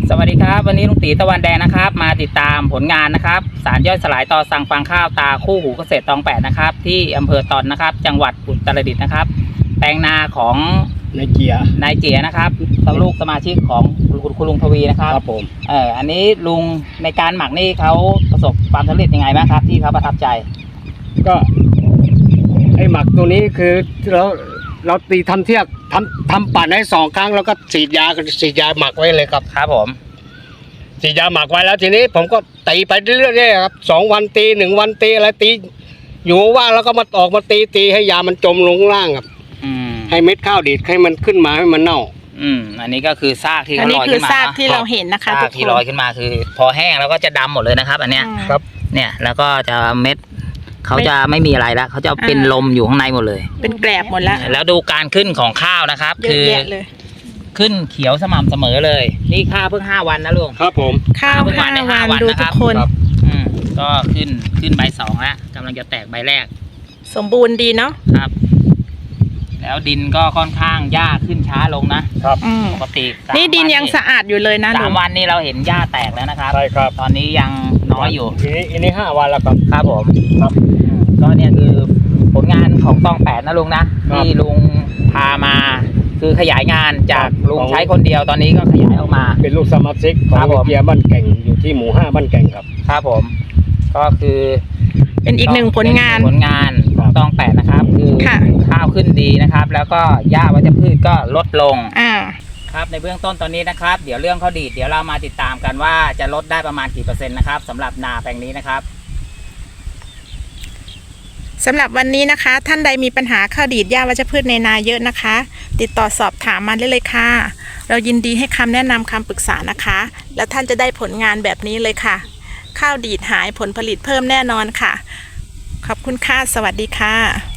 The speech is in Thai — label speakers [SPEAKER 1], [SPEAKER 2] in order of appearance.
[SPEAKER 1] สวัสดีครับวันนี้ลุงตีตะวันแดงนะครับมาติดตามผลงานนะครับสารย่อยสลายต่อสั่งฟางข้าวตาคู่หูเกษตรตองแปดนะครับที่อำเภอตอนนะครับจังหวัดอุตรดิตถ์นะครับแปลงนาของ
[SPEAKER 2] นายเจีย
[SPEAKER 1] นะครับลูกสมาชิกของคุณลุงทวีนะครับ
[SPEAKER 2] ครับผม
[SPEAKER 1] อันนี้ลุงในการหมักนี่เขาประสบความสำเร็จยังไงบ้างครับที่เขาประทับใจ
[SPEAKER 2] ก็ไอหมักตัวนี้คือเราตีทำเทียบทำปั่นให้2 ครั้งแล้วก็ฉีดยาหมักไว้เลยครับ
[SPEAKER 1] ครับผม
[SPEAKER 2] ฉีดยาหมักไว้แล้วทีนี้ผมก็ตีไปเรื่อยๆครับ2 วันตี1 วันตีอะไรตีอยู่ว่างแล้วก็มาออกมาตีให้ยามันจมลงล่างครับให้เม็ดข้าวดีดให้มันขึ้นมาให้มันเน่า
[SPEAKER 1] อันนี้ก็คือซากที่เขาลอยขึ้นมา
[SPEAKER 3] ซากที่เราเห็นนะคะ
[SPEAKER 1] ซากที่ลอยขึ้นมาคือพอแห้งแล้วก็จะดำหมดเลยนะครับอันเนี้ย
[SPEAKER 2] ครับ
[SPEAKER 1] เนี่ยแล้วก็จะเม็ดเขาจะไม่มีอะไรแล้วเขาจะเป็นลมอยู่ข้างในหมดเลย
[SPEAKER 3] เป็นแกลบหมดแล้ว
[SPEAKER 1] แล้วดูการขึ้นของข้าวนะครับคือขึ้นเขียวสม่ำเสมอเลยนี่ข้าวเพิ่ง5 วันนะลุง
[SPEAKER 2] ครับผม
[SPEAKER 3] ข้าวเพิ่ง5 วันดูทุกคน
[SPEAKER 1] ก็ขึ้นใบ2แล้วกำลังจะแตกใบแรก
[SPEAKER 3] สมบูรณ์ดีเนาะ
[SPEAKER 1] ครับแล้วดินก็ค่อนข้างหญ้าขึ้นช้าลงนะครับปกติ
[SPEAKER 3] นี่ดินยังสะอาดอยู่เลยนะ
[SPEAKER 1] 3 วันนี้เราเห็นหญ้าแตกแล้วนะครับ
[SPEAKER 2] ใช่ครับ
[SPEAKER 1] ตอนนี้ยังน้อยอยู่
[SPEAKER 2] อันนี้5 วันแล้วครับ
[SPEAKER 1] ครับผมครับก็เนี่ยคือผลงานของตอง8นะลุงนะที่ลุงพามาคือขยายงานจากลุงใช้คนเดียวตอนนี้ก็ขยายออกมา
[SPEAKER 2] เป็นลูกสมาชิกของเกียร์บ้านแก่งอยู่ที่หมู่5บ้านแก่งครับ
[SPEAKER 1] ครับผมก็คือ
[SPEAKER 3] เป็นอีกหนึ่งผลงาน
[SPEAKER 1] ของตอง8นะครับคือข้าวขึ้นดีนะครับแล้วก็หญ้าวัชพืชก็ลดลงครับในเบื้องต้นตอนนี้นะครับเดี๋ยวเรื่องข้าวดีดเดี๋ยวเรามาติดตามกันว่าจะลดได้ประมาณกี่เปอร์เซ็นต์นะครับสำหรับนาแปลงนี้นะครับ
[SPEAKER 3] สำหรับวันนี้นะคะท่านใดมีปัญหาข้าวดีดหญ้าวัชพืชในนาเยอะนะคะติดต่อสอบถามมาได้เลยค่ะเรายินดีให้คำแนะนำคำปรึกษานะคะแล้วท่านจะได้ผลงานแบบนี้เลยค่ะข้าวดีดหายผลผลิตเพิ่มแน่นอนค่ะขอบคุณค่ะสวัสดีค่ะ